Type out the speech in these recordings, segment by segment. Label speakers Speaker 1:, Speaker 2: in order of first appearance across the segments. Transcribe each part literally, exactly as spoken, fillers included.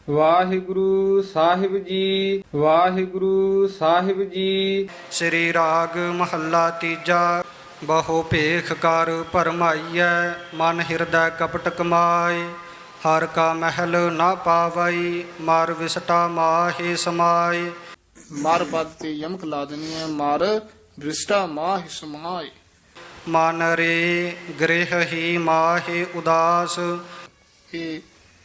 Speaker 1: ਵਾਹਿਗੁਰੂ ਸਾਹਿਬ ਜੀ, ਵਾਹਿਗੁਰੂ ਸਾਹਿਬ ਜੀ।
Speaker 2: ਸ੍ਰੀ ਰਾਗ ਮਹੱਲਾ ਤੀਜਾ। ਬਹੁ ਭੇਖ ਕਰ ਭਰਮਾਈਐ, ਮਨ ਹਿਰਦੈ ਕਪਟ ਕਮਾਏ। ਹਰ ਕਾ ਮਹਿਲ ਨਾ ਪਾਵਈ, ਮਰ ਵਿਸਟਾ ਮਾਹੇ ਸਮਾਏ।
Speaker 3: ਮਰ ਪਦ ਤੇ ਯਮਕ ਲਾ ਦੇਣੀ ਹੈ। ਮਰ ਬ੍ਰਿਸ਼ਟਾ ਮਾਹ ਸਮਾਏ।
Speaker 2: ਮਨ ਰੇ ਗ੍ਰਹਿ ਹੀ ਮਾਹੇ ਉਦਾਸ।
Speaker 3: ਇਹ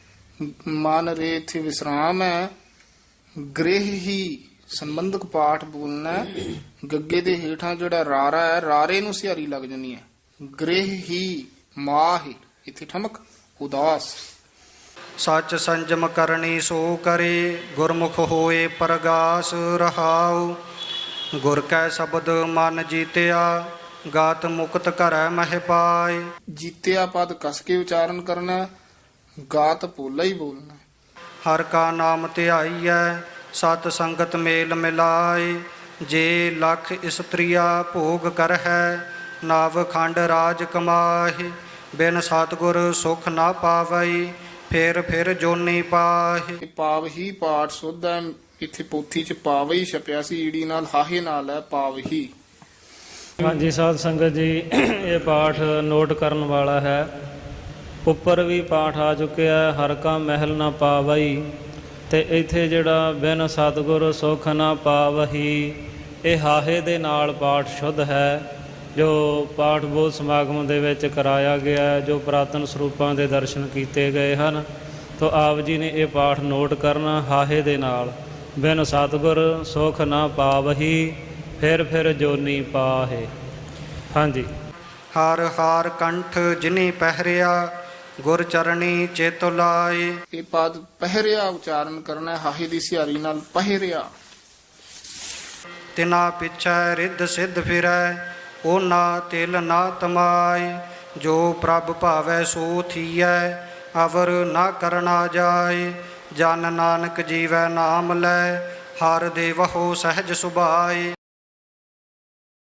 Speaker 3: ਮਨ ਰੇ ਇੱਥੇ ਵਿਸਰਾਮ ਹੈ। ਗ੍ਰਹਿ ਹੀ ਸੰਬੰਧਕ ਪਾਠ ਬੋਲਣਾ ਹੈ। ਗੱਗੇ ਦੇ ਹੇਠਾਂ ਜਿਹੜਾ ਰਾਰਾ ਹੈ, ਰਾਰੇ ਨੂੰ ਸਿਹਾਰੀ ਲੱਗ ਜਾਣੀ ਹੈ। ਗ੍ਰਹਿ ਹੀ ਮਾਹ ਇੱਥੇ ਠਮਕ ਉਦਾਸ।
Speaker 2: ਸਚ ਸੰਜਮ ਕਰਨੀ ਸੋ ਕਰੇ, ਗੁਰਮੁਖ ਹੋਏ ਪ੍ਰਗਾਸ ਰਹਾਉ। ਗੁਰ ਕੈ ਸ਼ਬਦ ਮਨ ਜੀਤਿਆ, ਗਾਤ ਮੁਕਤ ਕਰੈ ਮਹਿ ਪਾਏ।
Speaker 3: ਜੀਤਿਆ ਪਦ ਕਸ ਕੇ ਉਚਾਰਨ ਕਰਨਾ ਹੈ। ਗਾਤ ਪੋਲਾ ਹੀ ਬੋਲਣਾ ਹੈ।
Speaker 2: ਹਰ ਕਾ ਨਾਮ ਧਿਆਈਐ, ਸਤ ਸੰਗਤ ਮੇਲ ਮਿਲਾਏ। ਜੇ ਲਖ ਇਸਤਰੀਆ ਭੋਗ ਕਰਹਿ, ਨਵ ਖੰਡ ਰਾਜ ਕਮਾਹਿ। ਬਿਨ ਸਤਿਗੁਰ ਸੁਖ ਨਾ ਪਾਵਈ, ਫਿਰ ਫਿਰ ਜੋਨੀ ਪਾਹਿ।
Speaker 3: ਇਹ ਪਾਵ ਹੀ ਪਾਠ ਸੁੱਧ ਹੈ। ਇੱਥੇ ਪੋਥੀ ਚ ਪਾਵ ਹੀ ਛਪਿਆ ਸੀ, ਈੜੀ ਨਾਲ ਹਾਹੇ ਨਾਲ ਹੈ ਪਾਵ ਹੀ।
Speaker 4: ਹਾਂਜੀ ਸਾਧ ਸੰਗਤ ਜੀ, ਇਹ ਪਾਠ ਨੋਟ ਕਰਨ ਵਾਲਾ ਹੈ। ਉੱਪਰ ਵੀ ਪਾਠ ਆ ਚੁੱਕਿਆ ਹੈ, ਹਰ ਕਾ ਮਹਿਲ ਨਾ ਪਾਵਈ। ਤੇ ਇੱਥੇ ਜਿਹੜਾ ਬਿਨ ਸਤਿਗੁਰ ਸੁਖ ਨਾ ਪਾਵਹੀ, ਇਹ ਹਾਹੇ ਦੇ ਨਾਲ ਪਾਠ ਸ਼ੁੱਧ ਹੈ, ਜੋ ਪਾਠ ਬੋਧ ਸਮਾਗਮ ਦੇ ਵਿੱਚ ਕਰਾਇਆ ਗਿਆ, ਜੋ ਪੁਰਾਤਨ ਸਰੂਪਾਂ ਦੇ ਦਰਸ਼ਨ ਕੀਤੇ ਗਏ ਹਨ। ਤੋ ਆਪ ਜੀ ਨੇ ਇਹ ਪਾਠ ਨੋਟ ਕਰਨਾ ਹਾਹੇ ਦੇ ਨਾਲ। ਬਿਨ ਸਤਿਗੁਰ ਸੁਖ ਨਾ ਪਾਵਹੀ, ਫਿਰ ਫਿਰ ਜੋਨੀ ਪਾਹੇ। ਹਾਂਜੀ।
Speaker 2: ਹਰ ਹਾਰ ਕੰਠ ਜਿਨੀ ਪਹਿਰਿਆ, ਗੁਰ ਚਰਣੀ ਚਿਤ ਲਾਏ।
Speaker 3: ਇਹ ਪਦ ਪਹਿਰਿਆ ਉਚਾਰਨ ਕਰਨਾ ਹੈ। ਹਾਹੇ ਦੀ ਸਿਹਾਰੀ ਨਾਲ ਪਹਿਰਿਆ।
Speaker 2: ਤਿਨਾ ਪਿਛੈ ਰਿੱਧ ਸਿੱਧ ਫਿਰੈ, ਓਨਾ ਤਿਲ ਨਾ ਤਮਾਏ। ਜੋ ਪ੍ਰਭ ਭਾਵੈ ਸੋ ਥੀਐ, ਅਵਰ ਨਾ ਕਰਨਾ ਜਾਏ। ਜਨ ਨਾਨਕ ਜੀਵੈ ਨਾਮ ਲੈ, ਹਰ ਦੇਵਹੁ ਸਹਿਜ ਸੁਭਾਏ।